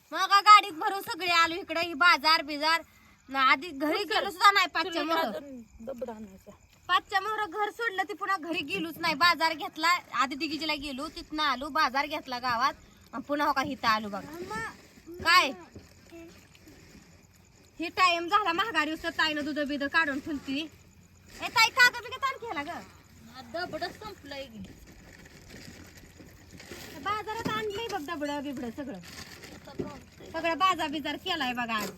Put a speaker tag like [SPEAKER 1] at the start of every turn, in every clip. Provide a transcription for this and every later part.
[SPEAKER 1] मग गाडीत भरून सगळे आलो इकडे. ही बाजार बिजार आधी घरी गेलो सुद्धा नाही. 5च्या मोहर घर सोडलं ती पुन्हा घरी गेलोच नाही. बाजार घेतला आधी दिगीजीला गेलो तिथनं आलो. बाजार घेतला गावात आणि पुन्हा हो का इथं आलो बघा. काय हे टाइम झाला महागाडी ताईनं दूध बिध काढून ठेवती. ए ताई कागद बिगत आणखी ह्याला ग दबड संपलंय. बाजारात आणलंय बघ दबड बिबड सगळं सगळं बाजार बिजार केलाय बघा आज.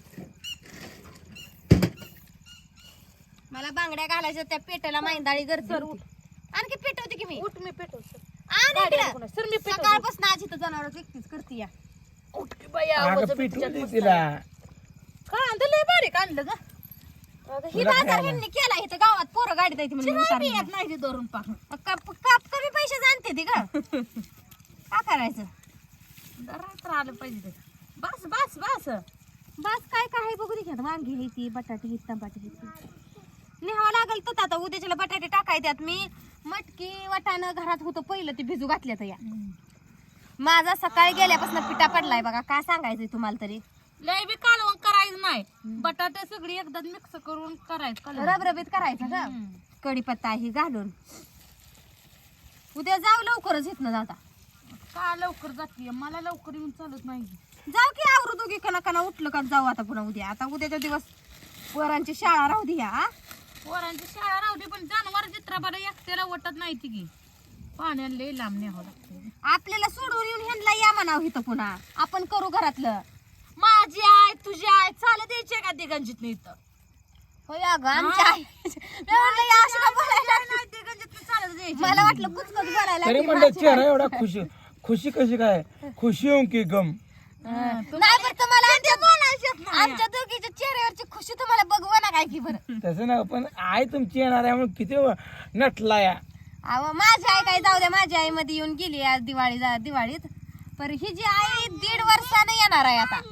[SPEAKER 1] मला बांगड्या घालायच्या त्या पेटाला मैंदाळी गरज आणखी पेटवते की मी.
[SPEAKER 2] उठ मी पेटवतो.
[SPEAKER 1] सकाळपासून आज इथं जनावर एकटीच करते या.
[SPEAKER 2] उठ की बाया
[SPEAKER 3] अगं पिटवली तिला.
[SPEAKER 2] कांदले बारीक आणलं ग.
[SPEAKER 1] ही बाजार ह्यांनी केला इथं गावात. पोरं गाडीत येते म्हणजे
[SPEAKER 2] येत नाही ती धरून पाक.
[SPEAKER 1] काप कमी पैसे जाणते ती का का करायचं.
[SPEAKER 2] तर आलं पाहिजे ते. बस बस बस
[SPEAKER 1] बस काय काय बघू दे की. वांगी हे ती बटाटे हे टमाटे हे लिहावं लागेल तर आता उद्याच्याला बटाटे टाकायच्यात. मी मटकी वाटाणं घरात होतं पहिलं ते भिजू घातल्या तर या. माझा सकाळी गेल्यापासून पिठा पडलाय बघा. काय सांगायचंय तुम्हाला तरी.
[SPEAKER 2] लय बी कालवण करायचं नाही. बटाटे सगळी एकदा मिक्स करून करायचं.
[SPEAKER 1] रबरबीत करायचं का कढीपत्ता ही घालून. उद्या जाऊ लवकरच इथनं जाता.
[SPEAKER 2] का लवकर जाते मला लवकर येऊन चालत नाही.
[SPEAKER 1] जाऊ की आवरू दोघी कना उठलं का जाऊ आता पुन्हा उद्या. आता उद्याचा दिवस पोरांची शाळा राहू दे ह्या.
[SPEAKER 2] पोरांची शाळा राहू दे पण जनावर चित्राबाला एकट्याला वाटत नाही ती की. पाण्याला लय लांब न्यावं लागतं.
[SPEAKER 1] आपल्याला सोडून येऊन ह्यांना या म्हणावं इथं पुन्हा. आपण करू घरातलं.
[SPEAKER 2] माझी आई तुझी आई चालत द्यायची का दिगंजीत इथं.
[SPEAKER 1] होय अगं आमच्या आई. मी म्हणलं या अशी का बोलायला
[SPEAKER 2] नाही दिगंजीत चालत द्यायची.
[SPEAKER 1] मला वाटलं कुचकच बोलायला
[SPEAKER 3] तरी
[SPEAKER 1] लागली
[SPEAKER 3] म्हणलं
[SPEAKER 1] माझी
[SPEAKER 3] चेहरा
[SPEAKER 1] आई.
[SPEAKER 3] एवढा खुशी खुशी कशी काय. खुशी होऊन की गम.
[SPEAKER 1] नाही बरं तुम्हाला आमच्या दोघीच्या चेहऱ्यावरची खुशी तुम्हाला बघवा ना काय की बरं.
[SPEAKER 3] तसं ना पण आई तुमची येणार आहे म्हणून किती नटला या.
[SPEAKER 1] अहो माझी आई काय जाऊ द्या. माझी आई मध्ये येऊन गेली आज दिवाळीत. पर ही जी आई 1.5 वर्षाने येणार आहे आता.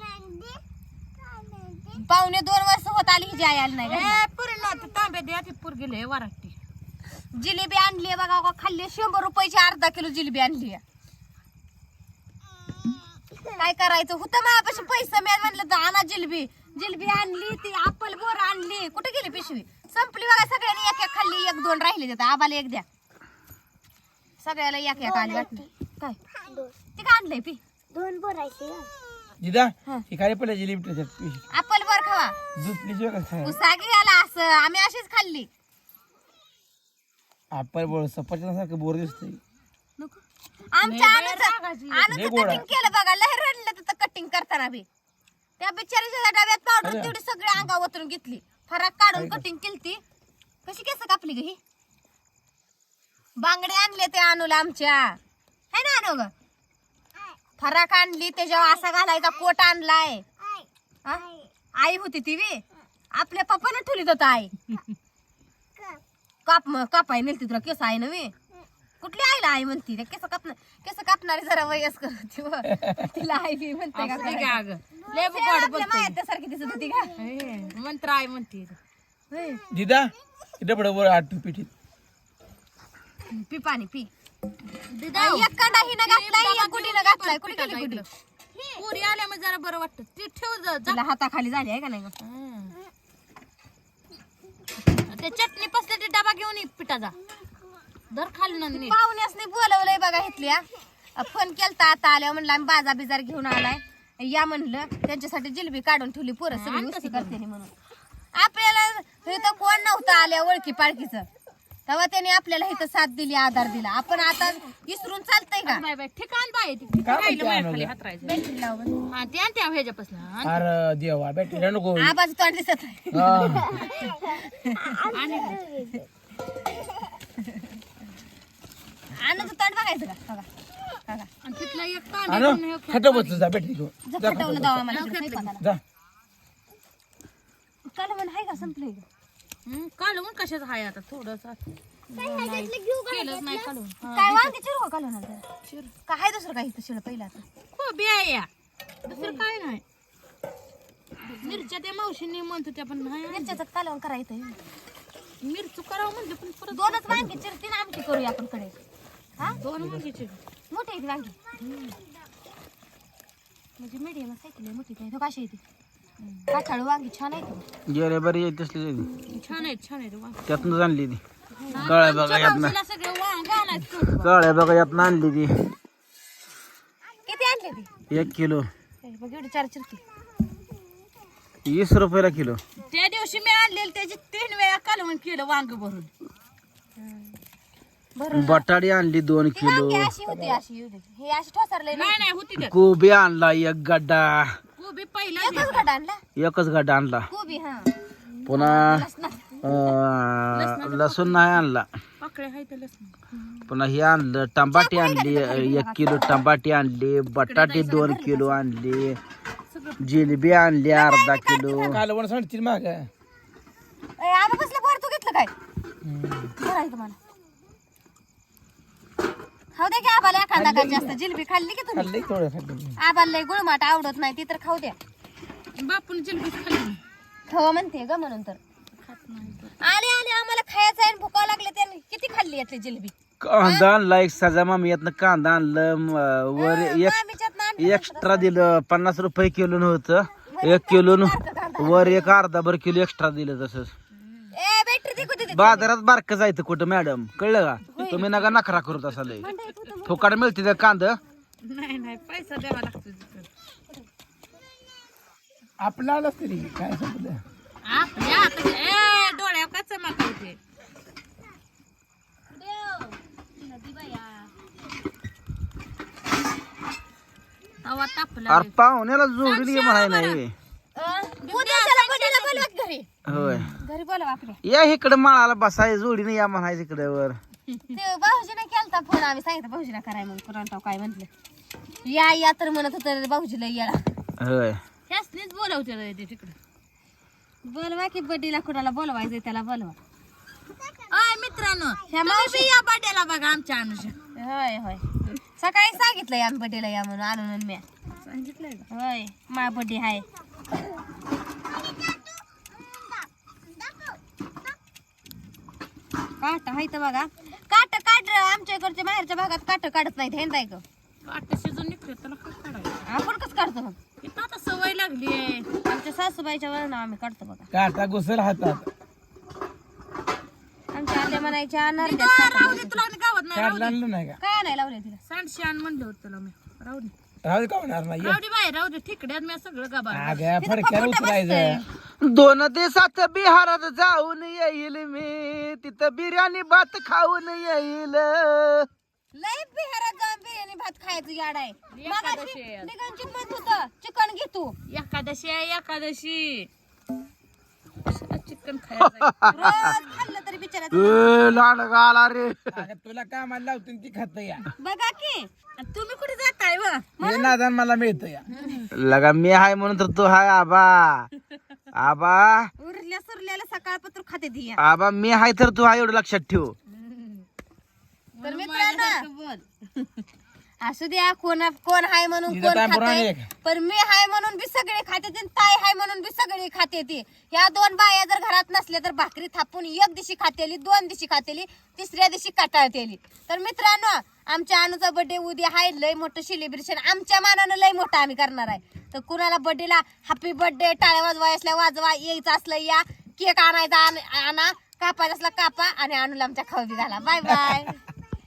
[SPEAKER 1] 1.25 वर्ष होत आली ही जी आई आली नाही घरी.
[SPEAKER 2] पूर्ण तांबे द्या ती पूर गेले वराटी.
[SPEAKER 1] जिलेबी आणली बघा का खाल्ली. 100 रुपयाची अर्धा किलो जिलेबी आणली. काय करायचं होतं माझ्यापाशी पैसे. मी म्हणलं तर आणा जिलेबी आणली. ती अप्पल बोर आणली. कुठे गेली पिशवी. संपली बघा. सगळ्यांनी एक एक खाल्ली. 1-2 राहिले देतात. आबाला एक द्या. सगळ्याला एक एक आली वाटली. काय ते काय आणलंय पी 2 बोरायचे
[SPEAKER 3] जिदा ही खाली पडल्या जिलेबी
[SPEAKER 1] अप्पल बोर खावा.
[SPEAKER 3] झुपलीची काय
[SPEAKER 1] उसागी आला असं. आम्ही अशीच खाल्ली.
[SPEAKER 3] आपण बोल सफरचंदासारखं बोर दिसतंय.
[SPEAKER 1] नको आमच्या कटिंग केलं बघा. लय रडलं तिथं कटिंग करताना बी. त्या बिचारीच्या डब्यात पावडर तेवढी सगळी अंगावर ओतून घेतली. फराक काढून कटिंग केली. कशी केस कापली ग ही. बांगडे आणले ते आणूला आमच्या है ना. आणू ग फराक आणली. त्याच्यावर असा घालायचा कोट आणलाय. आई होती ती बी. आपल्या पप्पानं ठेवली होता आई. कापाय नेलती तुला केस आहे नव्हे. कुठली आईला आई म्हणती. केस कापणारी जरा वयस्कर होती व. तिला आई बी म्हणते का सारखी दिसत होती का.
[SPEAKER 2] मंत्र आई म्हणते.
[SPEAKER 3] जिदा इथं पड वर आठ पिठीत
[SPEAKER 1] पी पाणी पी. एक कांदा हिनं घातलाय. एक गुडीनं घातलाय. कुठे गेली गुडी.
[SPEAKER 2] पुरी आल्या मग जरा बरं वाटत. ती ठेव जा.
[SPEAKER 1] तिला हाताखाली झाली आहे का नाही.
[SPEAKER 2] ते चटणी पसले डबा घेऊन ये पिठाचा. दर खाली नंदी
[SPEAKER 1] पाहुण्यासनी बोलवलंय बघा इथल्या. फोन केलता आता आल्या म्हणलं आम्ही बाजा बिजार घेऊन आलाय या म्हणलं. त्यांच्यासाठी जिलेबी काढून ठेवली. पोरं सगळी मस्ती करते म्हणून. आपल्याला इथं कोण नव्हतं आल्या ओळखी पाळखीचं. तेव्हा त्याने आपल्याला इथं साथ दिली आधार दिला. आपण आता विसरून चालतंय का.
[SPEAKER 2] ठिकाण बाय बॅटरी लावून ह्याच्यापासून.
[SPEAKER 3] अरे देवा बॅटरी नको.
[SPEAKER 1] आबाज तोंड दिसत आनंद तोंड बघायचं का बघा.
[SPEAKER 2] तिथला एक
[SPEAKER 3] खाटं बसलं जा बॅटरी घेऊन जा.
[SPEAKER 1] फटवलं दावा मला
[SPEAKER 3] जा
[SPEAKER 1] काल म्हण आहे का संपलंय.
[SPEAKER 2] कालवून कशाच हाय आता थोडस केलंच नाही कालवून.
[SPEAKER 1] काय वांगी चिरू का कालवून काय दुसरं काही शिळ पहिला
[SPEAKER 2] खूप या दुसरं काय नाही. मिरच्या त्या मावशीने म्हणतो त्या पण नाही.
[SPEAKER 1] मिरच्याचं कालवण करायचं.
[SPEAKER 2] मिरचू करावं म्हणलं पण परत
[SPEAKER 1] 2च वांगी चिरती ना आमटी करूया आपण कडे. हा
[SPEAKER 2] 2 वांगी चिर
[SPEAKER 1] मोठी आहेत वांगी. म्हणजे मीडियम सायकल मोठी काय तो कशी येते काठाळू वांगी छान आहे
[SPEAKER 4] गेले बरी येत असली
[SPEAKER 2] छान आहेत वांग.
[SPEAKER 4] त्यातनं आणली ती काळ्या बघा यातनं
[SPEAKER 2] तिला सगळं वांग आणायचं.
[SPEAKER 4] काळ्या बघा यातनं आणली ती
[SPEAKER 1] किती आणले ती
[SPEAKER 4] 1 किलो
[SPEAKER 1] बघ एवढी 4 चिरकी
[SPEAKER 4] 20 रुपयाला किलो.
[SPEAKER 2] त्या दिवशी मी आणलेली त्याची 3 वेळा कालवण केलं वांग भरून.
[SPEAKER 4] बटाटी आणली 2 किलो.
[SPEAKER 1] वांगी अशी होती अशी होती हे अशी ठोसरले
[SPEAKER 2] नाही होती त्यात
[SPEAKER 4] कोबी आणला 1 गड्डा.
[SPEAKER 2] कोबी पहिला
[SPEAKER 1] एकच गड आणला
[SPEAKER 4] एकच गड्डा आणला.
[SPEAKER 1] कोबी हा
[SPEAKER 4] पुन्हा लसूण नाही आणला.
[SPEAKER 2] पाकळ्या आहे तर लसूण.
[SPEAKER 4] पुन्हा हे आणलं टमाटे आणली 1 किलो टमाटे आणली. बटाटे 2 किलो आणली. जिलेबी आणली अर्धा किलो.
[SPEAKER 3] कालवण सांगतील माग
[SPEAKER 1] आबा कसलं भर तू घेतलं काय बरं तुम्हाला खाऊ द्या की आबाला एखादा का जास्त जिलेबी खाल्ली की तुम्ही
[SPEAKER 3] खाल्ले थोडं खाल्ले.
[SPEAKER 1] आबाला लय गुळमाट आवडत नाही ती तर खाऊ द्या
[SPEAKER 2] बापून जिलबी खाल्ली
[SPEAKER 1] खवा म्हणते ग म्हणून तर आले आले आम्हाला खायचं आहे भुकावं लागले त्याने किती खाल्ली यातली जिलेबी
[SPEAKER 4] कांदा आणला एक सजा मामी यातनं कांदा आणलं वर एक्स्ट्रा दिलं 50 रुपये किलो नव्हतं 1 किलो वर 1 अर्धा किलो एक्स्ट्रा दिलं तसंच.
[SPEAKER 1] ए बॅटरी दे कुठे
[SPEAKER 4] बाजारात बारक जायचं कुठं मॅडम कळलं का तुम्ही नका नखरा करत असाल फुकाट मिळते त्या कांदा.
[SPEAKER 2] नाही पैसा द्यावा लागतो तिथं.
[SPEAKER 3] आपला आलाच तरी काय संपलं
[SPEAKER 2] आपल्या आता डोळ्या का चमक होते. तवा तापला
[SPEAKER 4] अरे पाहुण्याला जोडून घे म्हणाय नाही
[SPEAKER 1] घरी
[SPEAKER 4] होय
[SPEAKER 1] घरी बोलवा आपल्या
[SPEAKER 4] या इकडे माळाला बसाय जोडीने या म्हणायचं इकडे वर.
[SPEAKER 1] ते भाऊजीने केलता फोन आम्ही सांगितलं भाऊजीला कराय म्हणून कुरांटाव काय म्हंटल या तर म्हणत होतं भाऊजीला याला
[SPEAKER 4] होय
[SPEAKER 2] ह्यासनीच बोलवते ते तिकडे.
[SPEAKER 1] बोलवा की बड्डीला कुणाला बोलवायचं त्याला बोलवा
[SPEAKER 2] अय मित्रांनो ह्या मावशी या बड्याला बघा आमच्या अनुषा.
[SPEAKER 1] होय होय सकाळी सांगितलं या बड्डेला या म्हणून आणून मी
[SPEAKER 2] सांगितलंय का?
[SPEAKER 1] होय मा बड्डे हाय काट हाय तर बघा काट आमच्या इकडच्या बाहेरच्या भागात काट काढत नाहीत हे नाही का
[SPEAKER 2] काट शिजून निघते त्याला काय काढायचं.
[SPEAKER 1] आपण कसं काढतो मग
[SPEAKER 2] इथं आता सवय लागली आहे.
[SPEAKER 1] आमच्या सासूबाईच्या वरून आम्ही काढतो बघा
[SPEAKER 3] काटा घुसल हातात
[SPEAKER 1] आमच्या आल्या म्हणायच्या
[SPEAKER 2] राहू दे तुला आणि गावात नाही
[SPEAKER 3] काढला आणलं नाही का
[SPEAKER 1] काय नाही लावले तिला
[SPEAKER 2] सांडशी आण म्हणलं होतं तुला मी. राहू दे
[SPEAKER 3] राहू दे का होणार नाही
[SPEAKER 2] राहू दे ठिकड्यात मी सगळं गाबा.
[SPEAKER 3] आग्या फडक्याला उतरायचं
[SPEAKER 4] 2 दिवसात बिहारात जाऊन येईल मी तिथं बिर्याणी भात खाऊन येईल.
[SPEAKER 1] लय बिहारात जाऊन बिर्याणी भात खायचं याड आहे
[SPEAKER 2] एकादशी आहे आज.
[SPEAKER 1] निघांची म्हणत होतं चिकन घे तू
[SPEAKER 2] एकादशी आहे एकादशी. चिकन खायचं
[SPEAKER 1] रोज खाल्लं तरी बिचारा
[SPEAKER 4] लाड गाला रे
[SPEAKER 3] अगं तुला कामाला लावतो ती खात या
[SPEAKER 1] बघा की
[SPEAKER 2] तुम्ही कुठे जाताय व
[SPEAKER 3] हे नादान मला मिळतं या
[SPEAKER 4] लगा मी हाय म्हणून तर तू हाय आबा आबा
[SPEAKER 1] उरल्या सुरल्याला सकाळपत्र खाते ती
[SPEAKER 4] आबा मी हाय तर तू हाय एवढं लक्षात ठेव.
[SPEAKER 1] तर मित्रांनो
[SPEAKER 2] बोल.
[SPEAKER 1] असू द्या कोण हाय म्हणून
[SPEAKER 3] तिथं
[SPEAKER 1] कोण
[SPEAKER 3] काय पुराण
[SPEAKER 1] खाते
[SPEAKER 3] एक.
[SPEAKER 1] पण मी हाय म्हणून बी सगळे खाते ती ताई हाय म्हणून बी सगळे खाते ती ह्या 2 बाया जर घरात नसल्या तर भाकरी थापून 1 दिवशी खातेली 2 दिवशी खातेली 3ऱ्या दिवशी कटाळतेली. तर मित्रांनो आमच्या अनुचा बर्थडे उद्या हाय लय मोठं सेलिब्रेशन आमच्या मानानं लय मोठं आम्ही करणार आहे. तर कुणाला बर्थडेला हॅपी बर्थडे टाळ्या वाजवाय असल्या वाजवा यायचं असलं या केक आणायचा आणा कापायचा असला कापा आणि अनुला आमच्या खाऊ बी घाला. Bye bye.